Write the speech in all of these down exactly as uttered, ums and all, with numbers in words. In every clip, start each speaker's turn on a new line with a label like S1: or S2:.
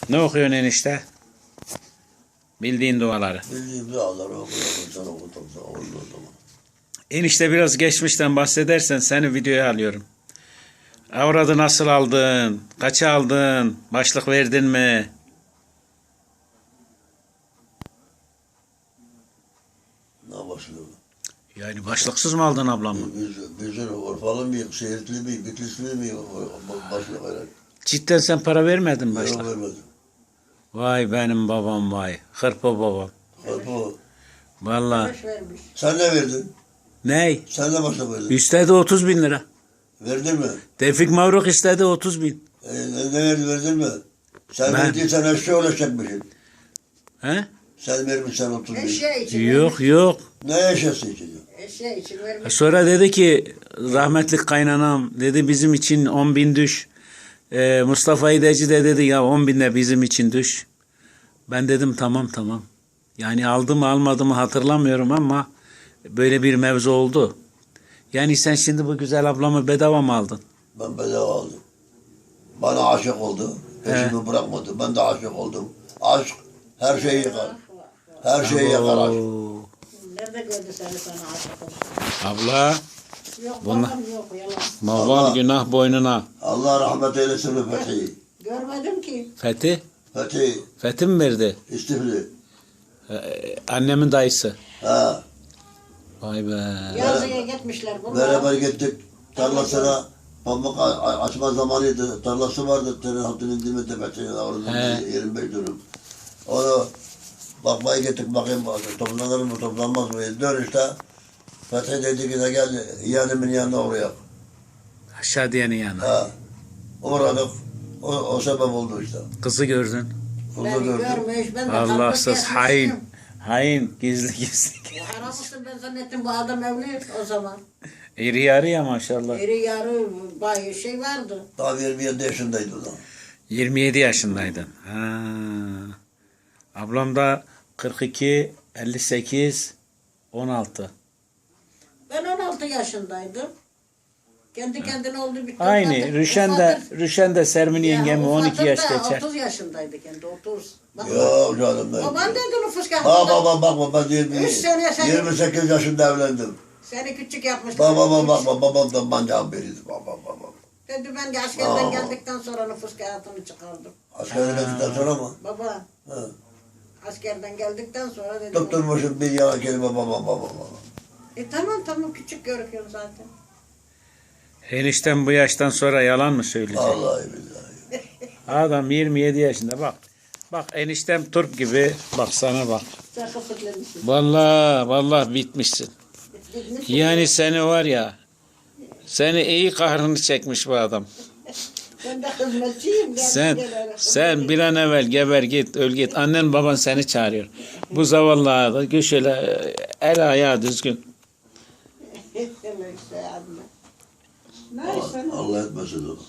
S1: Ne okuyorsun enişte? Bildiğin duaları.
S2: Bildiğim duaları okuyorum, sana okudum, sana oldu o zaman.
S1: Enişte biraz geçmişten bahsedersen seni videoya alıyorum. Avradı nasıl aldın? Kaça aldın? Başlık verdin mi?
S2: Ne başlıyor?
S1: Yani başlıksız mı aldın ablamı?
S2: Biz, bizim Urfalı mıyım, Şehirli miyim, Bitlisli miyim, başlık olarak.
S1: Cidden sen para vermedin mi
S2: Yok
S1: başlık?
S2: vermedim.
S1: Vay benim babam vay. Hırpa babam.
S2: Hırpo.
S1: Vallahi.
S3: Boş vermiş.
S2: Sen ne verdin?
S1: Ney?
S2: Sen ne başlık verdin?
S1: İstedi otuz bin lira.
S2: Verdin mi?
S1: Tevfik Mavruk istedi otuz bin.
S2: E, ne, ne verdin, verdin mi? Sen
S1: Ben-
S2: verdiysen eşya ulaşacakmışsın.
S1: He?
S2: Sen vermişsen otuz bin.
S3: Eşya için
S1: Yok
S3: vermiş.
S1: yok.
S2: Ne eşyası için?
S3: Eşya için vermiş.
S1: Sonra dedi ki rahmetli kaynanam dedi bizim için on bin düş. Ee, Mustafa İdeci de dedi ya on bin de bizim için düş. Ben dedim tamam tamam. Yani aldı mı almadı mı hatırlamıyorum ama böyle bir mevzu oldu. Yani sen şimdi bu güzel ablamı bedava mı aldın?
S2: Ben bedava aldım. Bana aşık oldu. Peşimi bırakmadı. Ben de aşık oldum. Aşk her şeyi yıkar. Her şeyi yakar aşk.
S1: Oo.
S3: Nerede gördü seni sana aşık olsun?
S1: Abla
S3: Yok
S1: Bunlar-
S3: babam yok yalan.
S1: maval günah boynuna.
S2: Allah rahmet eylesin Fethi'yi.
S3: Görmedim ki.
S1: Fethi?
S2: Fethi,
S1: Fethi mi verdi?
S2: İstifli.
S1: Ee, annemin dayısı.
S2: Ha.
S1: Vay be.
S3: Yazıya gitmişler bunlar.
S2: Beraber gittik tarlasına. Pamuk a- a- açma zamanıydı. Tarlası vardı. Terin hattının diminde Fethi'nin orada
S1: He.
S2: yirmi beş dönüm. Onu bakmaya gittik bakayım toplanır mı toplanmaz mı? Dönüşte Fethi dedi ki de gel yeğenimin yanına oraya.
S1: Aşağı diyenin yanına.
S2: Ha. Uğradık. O, o sebep oldu işte.
S1: Kızı gördün.
S2: Kızı
S3: Beni
S2: gördük.
S3: görmüş. Ben de
S1: Allahsız
S3: kalkıp
S1: hain.
S3: gelmiştim.
S1: Hain. Gizli gizli.
S3: Haram olsun ben zannettim bu adam evli o zaman.
S1: İri yarı ya maşallah.
S3: Eri yarı bayağı şey vardı.
S2: Daha yirmi yedi yaşındaydı o da.
S1: yirmi yedi yaşındaydın. Ha. Ablam da kırk iki, elli sekiz, on altı.
S3: Ben on altı yaşındaydım. Kendi kendine oldu bir
S1: Aynı.
S3: Ufat'ın-
S1: Rüşen de,
S3: Ufat'ın-
S1: Rüşen de Sermin
S3: Ya,
S1: yengemi on iki
S3: Ufat'ın
S1: yaş
S3: da
S1: geçer.
S3: otuz yaşındaydı kendi otuz. Bak,
S2: Yok canım ben.
S3: baban dedi nüfus kağıdında.
S2: Bak bak bak bak ben yirmi,
S3: Üç sene sen-
S2: yirmi sekiz yaşında evlendim.
S3: Seni küçük yapmışlar.
S2: Baba baba bak babam da bancağım biriydi. Baba baba.
S3: Dedi ben de askerden
S2: Aa.
S3: geldikten sonra nüfus kağıdını çıkardım.
S2: Askere gittikten sonra mı?
S3: Baba
S2: Ha.
S3: askerden geldikten sonra dedim.
S2: Tutturmuşum bir yana kelime baba baba baba.
S3: E tamam tamam küçük görüküyorum zaten.
S1: Enişten bu yaştan sonra yalan mı söyleyecek?
S2: Vallahi billahi.
S1: Adam yirmi yedi yaşında bak. Bak eniştem turp gibi. Bak sana bak.
S3: Sen kıpırlamışsın.
S1: Vallahi vallahi bitmişsin.
S3: Bitmiş.
S1: Yani seni var ya. Seni iyi kahrını çekmiş bu adam.
S3: Ben de hizmetçiyim. geldim
S1: Sen
S3: gel öyle.
S1: sen bir an evvel geber git öl git. Annen baban seni çağırıyor. Bu zavallı da şöyle el ayağı düzgün.
S3: Öyle işte abla. Neyse.
S2: Allah etmesin onu.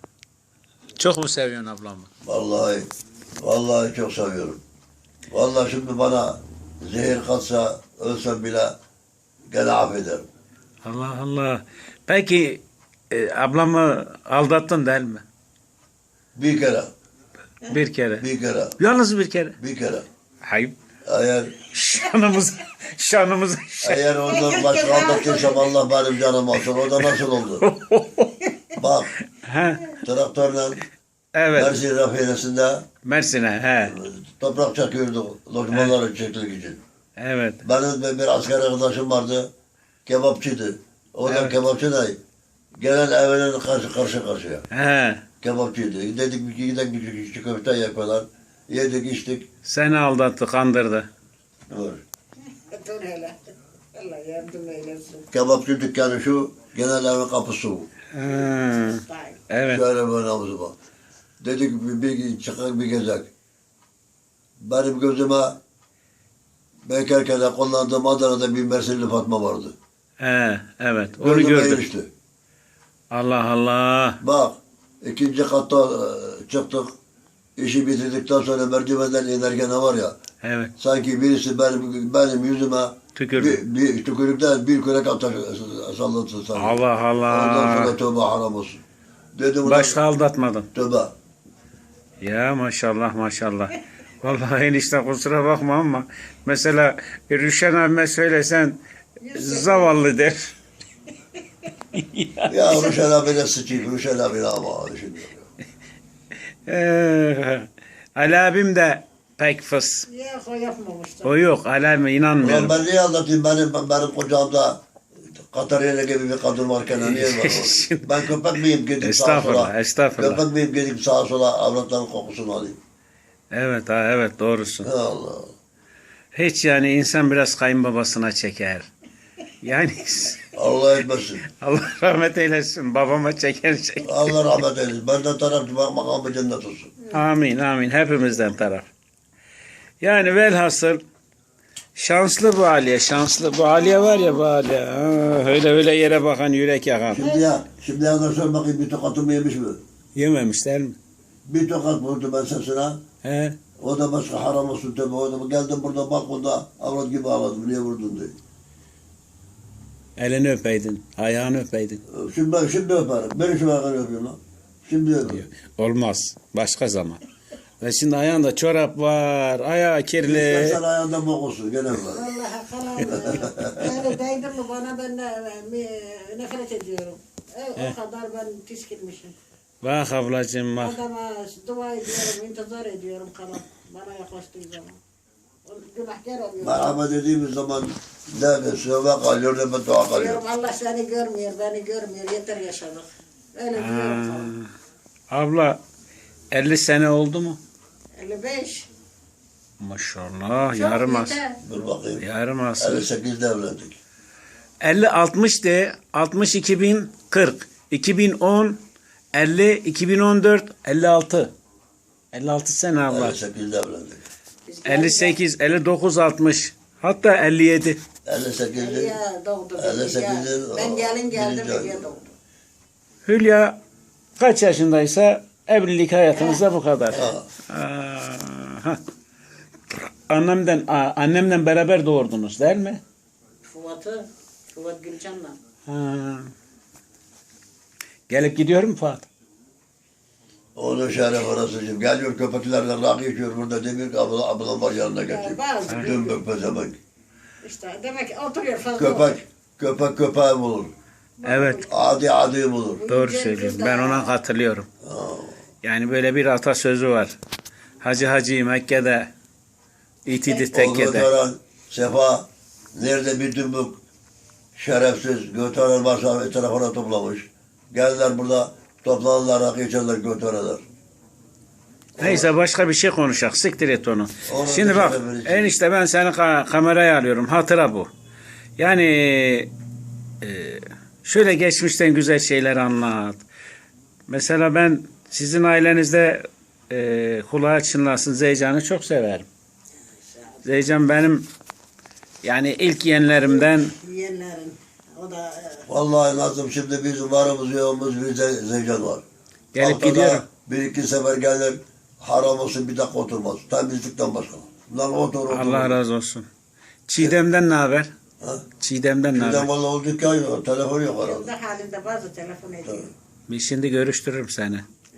S1: Çok mu seviyorsun ablamı?
S2: Vallahi vallahi çok seviyorum. Vallahi şimdi bana zehir katsa ölsem bile gene affederim.
S1: Allah Allah. Peki e, ablamı aldattın değil mi?
S2: Bir kere,
S1: Bir kere.
S2: bir kere,
S1: Yalnız bir kere.
S2: bir kere.
S1: Hayır.
S2: Eğer
S1: Şanımız, şanımız.
S2: eğer ondan başka aldattıysam Allah benim canım alsın. O da nasıl oldu? Bak
S1: He,
S2: traktörle
S1: evet.
S2: Mersin rafinesinde
S1: Mersin'e. He.
S2: toprak çakıyorduk lokmaları çekmek için.
S1: Evet.
S2: Benim bir asker arkadaşım vardı. Kebapçıydı. O da
S1: Evet.
S2: kebapçı da gelen evinin karşı karşı karşıya.
S1: He.
S2: Kebapçıydı. Dedik bir giden küçük küçük köfte yapıyorlar. Yedik içtik.
S1: Seni aldattı, kandırdı.
S2: Dur.
S3: Dur hele. Allah yardım eylesin.
S2: Kebapçı dükkanı şu. Genel evin kapısı bu.
S1: He.
S3: Vay.
S1: Evet.
S2: Şöyle böyle havuzu bak. Dedik bir, bir çıkar bir gezek. Benim gözüme bekarken kullandığım Adana'da bir Mersinli Fatma vardı.
S1: He. Evet. Onu
S2: Gözüme
S1: gördüm.
S2: ilişti.
S1: Allah Allah.
S2: Bak ikinci katta e, çıktık. İşi bitirdikten sonra merdivenden inerken ne var ya.
S1: Evet.
S2: Sanki birisi benim, benim yüzüme
S1: Tükürdü.
S2: bir, bir tükürükten bir kürek atar sallatsın sanki.
S1: Allah
S2: Ondan sonra
S1: Allah.
S2: tövbe haram olsun. Dedim ulan
S1: Başka aldatmadın.
S2: tövbe.
S1: Ya maşallah maşallah. Vallahi enişte kusura bakma ama mesela Rüşen abime söylesen zavallı der.
S2: Ya Ruşen abine sıçayım. Ruşen abine ama şimdi.
S1: Ee, Ali abim de pek fıs.
S3: Yok o yapmamıştı.
S1: O yok Ali abime
S2: Ulan
S1: inanmıyorum.
S2: ben niye anlatayım? Benim, benim kocamda Katarina gibi bir kadın varken niye var o? Ben köpek miyim gidip sağa
S1: Estağfurullah,
S2: sola?
S1: estağfurullah.
S2: Köpek miyim gidip sağa sola avratların kokusunu alayım?
S1: Evet ha evet doğrusun.
S2: Allah.
S1: Hiç yani insan biraz kayınbabasına çeker. Yani
S2: Allah etmesin.
S1: Allah rahmet eylesin babama çeker şey.
S2: Allah rahmet eylesin. Benden tarafçı bak makamı cennet olsun.
S1: Amin amin hepimizden taraf. Yani velhasıl şanslı bu Aliye şanslı. Bu Aliye var ya bu Aliye. Ha, öyle öyle yere bakan yürek yakan.
S2: Şimdi ya, şimdi ya da sor bakayım bir tokatımı yemiş mi?
S1: Yememişler mi?
S2: Bir tokat vurdu ben sesine.
S1: He?
S2: O da başka haram olsun tabi. O da geldim burada balkonda avrat gibi ağladım. Niye vurdun diye.
S1: Elini öpeydin, ayağını öpeydin.
S2: Şimdi ben şimdi öperim. Beni şu ayağını öpüyorum lan. Şimdi öperim.
S1: Olmaz. Başka zaman. Ve şimdi ayağında çorap var, ayağı kirli.
S2: İstersen ayağında bok olsun. Gene var.
S3: Vallahi kalan yani değdim mi bana ben de, e, nefret ediyorum. E, o kadar ben tiskilmişim.
S1: Bak ablacığım bak.
S3: Adama dua ediyorum, intizar ediyorum kalan. Bana yaklaştığı zaman. O günahkar oluyor.
S2: Merhaba dediğimiz zaman ne sövbe kalıyor ne beddua kalıyor.
S3: Diyorum Allah seni görmüyor, beni görmüyor. Yeter yaşadık. Öyle diyorum kalan.
S1: Abla elli sene oldu mu?
S3: elli beş.
S1: Maşallah
S3: Çok
S1: yarım as.
S3: yeter.
S2: Dur bakayım.
S1: Yarım asır.
S2: elli sekizde evlendik.
S1: elli altmış de altmış iki bin kırk. iki bin on elli iki bin on dört elli altı. elli altı sene abla.
S2: elli sekizde evlendik.
S3: Biz
S1: elli sekiz elli dokuz altmış. Hatta elli yedi.
S2: elli sekizde
S3: Ya doğdu.
S2: elli
S3: beni, ya.
S2: sekizde
S3: Ben gelin geldim
S2: birinci
S3: diye
S2: ayda.
S3: doğdu.
S1: Hülya kaç yaşındaysa evlilik hayatınızda bu kadar.
S2: Ha.
S1: Aha. Annemden a- annemden beraber doğurdunuz değil mi?
S3: Fuat'ı, Fuat Gülcan'la.
S1: Ha. Gelip gidiyor mu Fuat?
S2: Onun şeref orasıcım. Geliyor köpeklerle rakı içiyor burada demiyor ki abla, ablam var yanına
S3: Ya
S2: getir.
S3: bazı
S2: Dümbük pezemek.
S3: işte demek ki oturuyor fazla
S2: Köpek,
S3: oturuyor.
S2: köpek köpeği bulur.
S1: Evet,
S2: Adi adi bulur.
S1: doğru söylüyorsun. Ben ona katılıyorum.
S2: Ha.
S1: Yani böyle bir atasözü var. Hacı Hacı Mekke'de, itidi
S2: O
S1: tekkede.
S2: götüren sefa nerede bir dümbük şerefsiz götüren varsa etrafına toplamış. Geldiler burada toplanırlar rakı içerler götürürler.
S1: Neyse başka bir şey konuşak. Siktir et onu.
S2: Onu
S1: Şimdi bak
S2: dışarı verecek.
S1: enişte ben seni ka- kameraya alıyorum. Hatıra bu. Yani e, şöyle geçmişten güzel şeyler anlat. Mesela ben sizin ailenizde e, kulağı çınlasın Zeycan'ı çok severim. Zeycan benim yani ilk yeğenlerimden.
S3: Yiyenlerin. O da e,
S2: Vallahi lazım şimdi bizim varımız yoğumuz bir ze- zeycan var.
S1: Gelip
S2: Haftada
S1: gidiyorum.
S2: Bir iki sefer gelir haram olsun bir dakika oturmaz. Temizlikten başka. Lan otur otur.
S1: Allah razı olsun. Çiğdem'den ne haber?
S2: Ha?
S1: Çiğdem'den ne
S2: Birden
S1: haber?
S2: valla o dükkan yok. Telefon yok herhalde.
S3: kendi halinde bazı telefon ediyor.
S1: Bir şimdi görüştürürüm seni.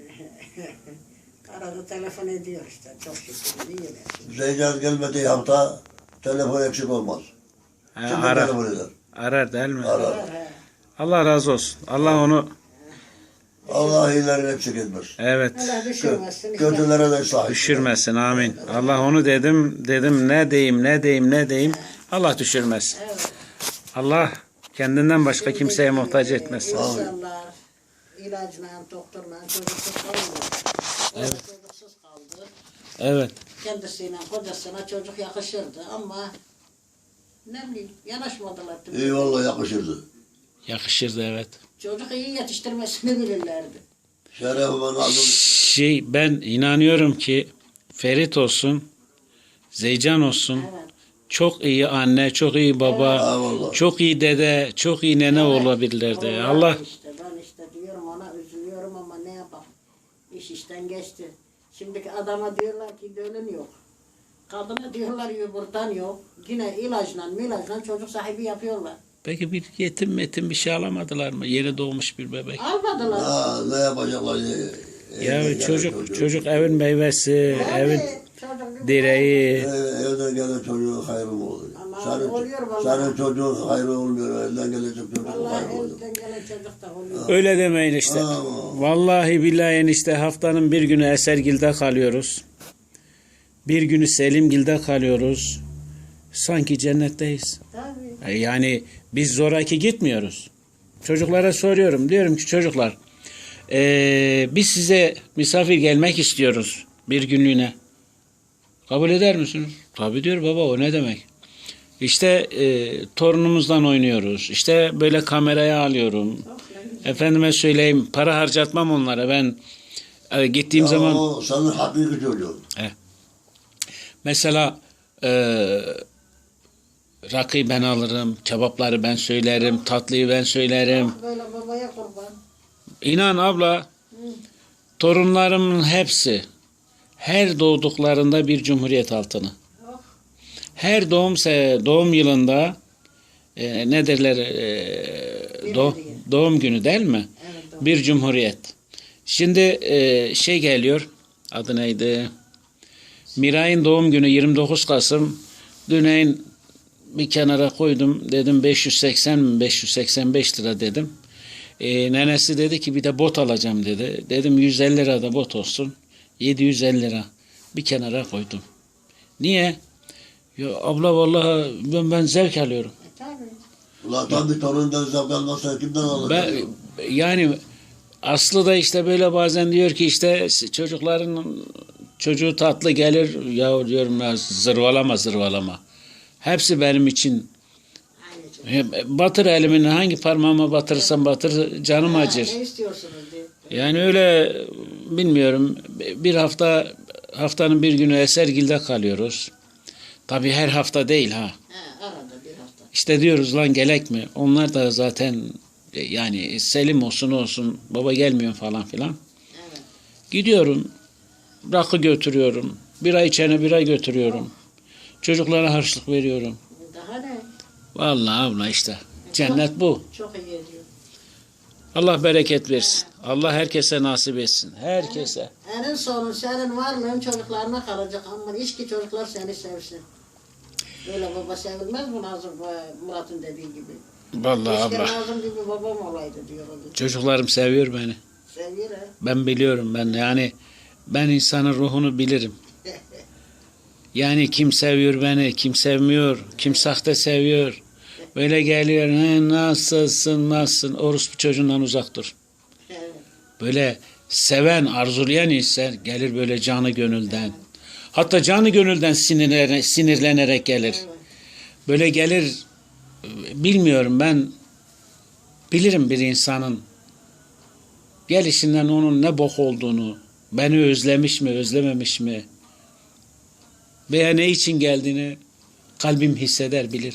S3: Arada telefon ediyor işte. Çok şükür. İyiler.
S2: Zeycan gelmediği hafta telefon eksik olmaz.
S1: Ha,
S2: Şimdi
S1: arar.
S2: telefon eder.
S1: Arar değil mi?
S2: Arar.
S3: He.
S1: Allah razı olsun. Allah onu
S2: Allah iyilerini eksik etmez.
S1: evet
S3: Allah düşürmesin. işte.
S2: Kötülere de ıslah etsin.
S1: düşürmesin amin. Allah onu dedim dedim ne diyeyim ne diyeyim ne diyeyim. Allah düşürmesin.
S3: Evet.
S1: Allah kendinden başka kimseye muhtaç etmesin.
S3: İnsanlar ilacla, doktorla çocuksuz kalıyor. Evet. Çocuksuz kaldı.
S1: Evet.
S3: Kendisiyle, kocasına çocuk yakışırdı ama ne bileyim yanaşmadılar.
S2: İyi valla yakışırdı.
S1: Yakışırdı evet.
S3: Çocuk iyi yetiştirmesini bilirlerdi.
S2: Şerefime nazım.
S1: Şey ben inanıyorum ki Ferit olsun, Zeycan olsun.
S3: Evet.
S1: Çok iyi anne, çok iyi baba,
S2: Ha, vallahi.
S1: çok iyi dede, çok iyi nene olabilirlerdi.
S3: Vallahi
S1: Allah
S3: işte ben işte diyorum ona üzülüyorum ama ne yapalım. İş işten geçti. Şimdiki adama diyorlar ki dölün yok. Kadına diyorlar yumurtan yok. Yine ilaçla milajla çocuk sahibi yapıyorlar.
S1: peki bir yetim metim bir şey alamadılar mı? Yeni doğmuş bir bebek.
S3: Almadılar.
S2: Ha, ne yapacaklar?
S1: Ya
S2: Evden gelen
S1: çocuk çocuk evin meyvesi,
S3: Tabii,
S1: evin
S3: çocuk-
S1: direği.
S2: Ev- Evden gelen çocuğun hayrı mı olur?
S3: Ama
S2: Senin,
S3: oluyor vallahi.
S2: senin çocuğun hayrı olmuyor. Elden gelecek çocuğun
S3: Vallahi
S2: hayrı oluyor.
S3: elden gelen çocuk da oluyor.
S1: Öyle demeyin işte.
S2: Aa.
S1: Vallahi billahi enişte haftanın bir günü Esergil'de kalıyoruz. Bir günü Selimgil'de kalıyoruz. Sanki cennetteyiz.
S3: Tabii.
S1: E, Yani biz zoraki gitmiyoruz. Çocuklara soruyorum. Diyorum ki çocuklar e, biz size misafir gelmek istiyoruz bir günlüğüne. Kabul eder misiniz? Tabii diyor baba, o ne demek? İşte e, torunumuzdan oynuyoruz. İşte böyle kameraya alıyorum.
S3: Çok ne güzel.
S1: Efendime söyleyeyim, para harcatmam onlara. Ben e, gittiğim
S2: Ya
S1: zaman
S2: o senin hakiki çocuğun.
S1: mesela e, rakıyı ben alırım, kebapları ben söylerim, tatlıyı ben söylerim.
S3: Böyle babaya kurban.
S1: İnan abla, torunlarımın hepsi her doğduklarında bir cumhuriyet altını.
S3: Oh.
S1: Her doğum se- doğum yılında e, ne derler e,
S3: Bir
S1: doğ-
S3: hediye.
S1: doğum günü değil mi?
S3: Evet, doğru.
S1: Bir cumhuriyet. Şimdi e, şey geliyor, adı neydi? Miray'ın doğum günü yirmi dokuz Kasım. Düneyin bir kenara koydum. Dedim beş yüz seksen mi beş yüz seksen beş lira dedim. E, nenesi dedi ki bir de bot alacağım dedi. Dedim yüz elli lira da bot olsun. yedi yüz elli lira. Bir kenara koydum. Niye? Ya abla vallahi ben, ben zevk alıyorum.
S3: E, tabii.
S2: Ulan tabii torundan zevk almazsan kimden alacak?
S1: Ben, yani Aslı da işte böyle bazen diyor ki işte çocukların çocuğu tatlı gelir. Ya diyorum ya zırvalama zırvalama. Hepsi benim için.
S3: Aynı çocuk.
S1: Batır elimin hangi parmağıma batırırsam batır canım
S3: Ha,
S1: acır.
S3: ne istiyorsunuz diye.
S1: Yani öyle bilmiyorum. Bir hafta haftanın bir günü Esergil'de kalıyoruz. Tabii her hafta değil ha.
S3: Ha, arada bir hafta.
S1: İşte diyoruz lan gelek mi? Onlar da zaten e, yani Selim olsun olsun baba gelmiyor falan filan.
S3: Evet.
S1: Gidiyorum. Rakı götürüyorum. Bira içene bira götürüyorum. Çocuklara harçlık veriyorum.
S3: Daha ne?
S1: Vallahi abla işte. Cennet bu.
S3: Çok iyi ediyor.
S1: Allah bereket versin. Allah herkese nasip etsin. Herkese.
S3: En sonu senin varlığın çocuklarına kalacak ama iş ki çocuklar seni sevsin. Böyle baba sevilmez mi Nazım e, Murat'ın dediği gibi?
S1: Vallahi
S3: Keşke
S1: abla.
S3: Nazım gibi babam olaydı diyor o gün.
S1: Çocuklarım seviyor beni.
S3: Seviyor ha.
S1: Ben biliyorum ben yani ben insanın ruhunu bilirim. Yani kim seviyor beni, kim sevmiyor, kim sahte seviyor. Böyle geliyor, "He, nasılsın, nasılsın, orospu çocuğundan uzak dur."
S3: Evet.
S1: Böyle seven, arzulayan insan gelir böyle canı gönülden. Hatta canı gönülden sinirlenerek, sinirlenerek gelir.
S3: Evet.
S1: Böyle gelir, bilmiyorum ben, bilirim bir insanın gelişinden onun ne bok olduğunu, beni özlemiş mi, özlememiş mi, veya ne için geldiğini kalbim hisseder, bilir.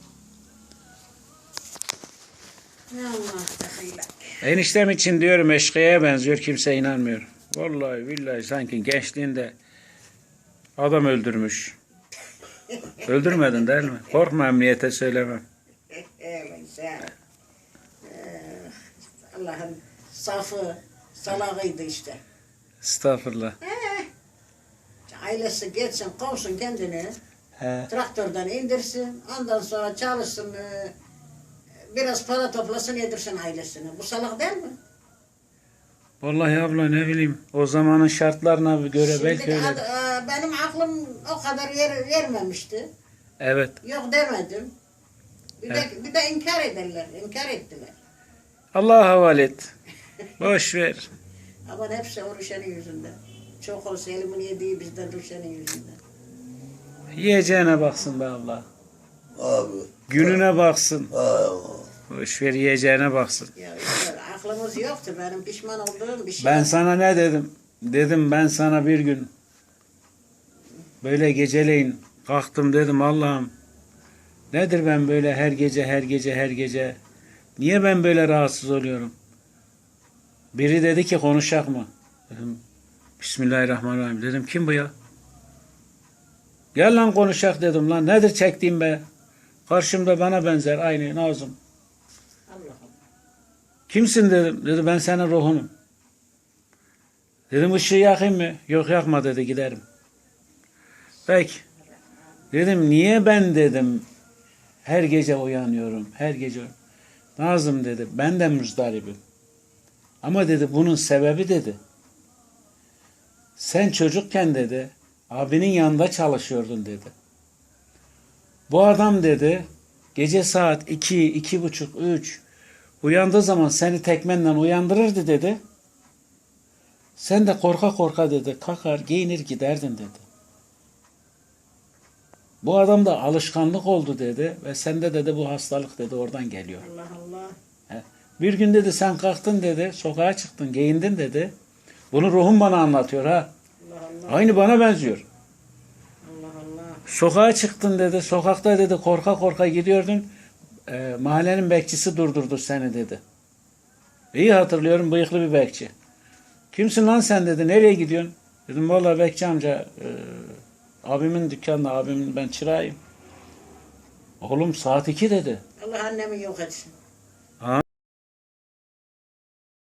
S3: Ya Allah takıyla.
S1: Eniştem için diyorum eşkıya'ya benziyor, kimse inanmıyor. Vallahi billahi sanki gençliğinde adam öldürmüş. Öldürmedin değil mi? Korkma, emniyete söylemem.
S3: Evet sen. Ee, Allah'ın safı, salağıydı işte.
S1: Estağfurullah.
S3: Ee, ailesi geçsin, kovsun kendini.
S1: He.
S3: Traktörden indirsin. Ondan sonra çalışsın. e, Biraz para toplasın, yedirsin ailesine. Bu salak değil mi?
S1: Vallahi abla ne bileyim, o zamanın şartlarına göre belki
S3: Şimdi
S1: öyle.
S3: ad- e, benim aklım o kadar yer, vermemişti.
S1: Evet.
S3: Yok demedim. Bir,
S1: Evet.
S3: de, bir de inkar ederler. İnkar ettiler.
S1: Allah'a havale et. Boş ver.
S3: Ama hepsi o Rüşen'in yüzünden. Çok olsa elimin yediği bizden Rüşen'in yüzünden.
S1: Yiyeceğine baksın be abla.
S2: Abi.
S1: Gününe baksın.
S2: Ay,
S1: Boş ver, yiyeceğine baksın.
S3: Ya işte aklımız yoktu. Benim pişman olduğum bir şey.
S1: Ben sana ne dedim? Dedim ben sana bir gün böyle geceleyin kalktım, dedim Allah'ım nedir ben böyle her gece her gece her gece, niye ben böyle rahatsız oluyorum? Biri dedi ki konuşak mı? Dedim Bismillahirrahmanirrahim. Dedim kim bu ya? Gel lan konuşak dedim lan. Nedir çektiğim be? Karşımda bana benzer aynı Nazım.
S3: Allah'ım.
S1: Kimsin dedim. Dedi ben senin ruhunum. Dedim ışığı yakayım mı? Yok yakma dedi, giderim. Peki. Dedim niye ben dedim her gece uyanıyorum, her gece. Nazım dedi ben de muzdaribim. Ama dedi bunun sebebi dedi. Sen çocukken dedi abinin yanında çalışıyordun dedi. Bu adam dedi gece saat iki, iki buçuk, üç uyandığı zaman seni tekmenle uyandırırdı dedi. Sen de korka korka dedi kalkar giyinir giderdin dedi. Bu adamda alışkanlık oldu dedi ve sende dedi bu hastalık dedi oradan geliyor.
S3: Allah Allah.
S1: He. Bir gün dedi sen kalktın dedi sokağa çıktın giyindin dedi. Bunu ruhum bana anlatıyor ha.
S3: Allah Allah.
S1: Aynı bana benziyor.
S3: Allah Allah.
S1: Sokağa çıktın dedi. Sokakta dedi korka korka gidiyordun. E, mahallenin bekçisi durdurdu seni dedi. İyi hatırlıyorum bıyıklı bir bekçi. Kimsin lan sen dedi. Nereye gidiyorsun? Dedim vallahi bekçi amca e, abimin dükkanında abimin ben çırağıyım. Oğlum saat iki dedi.
S3: Allah annemi yok etsin.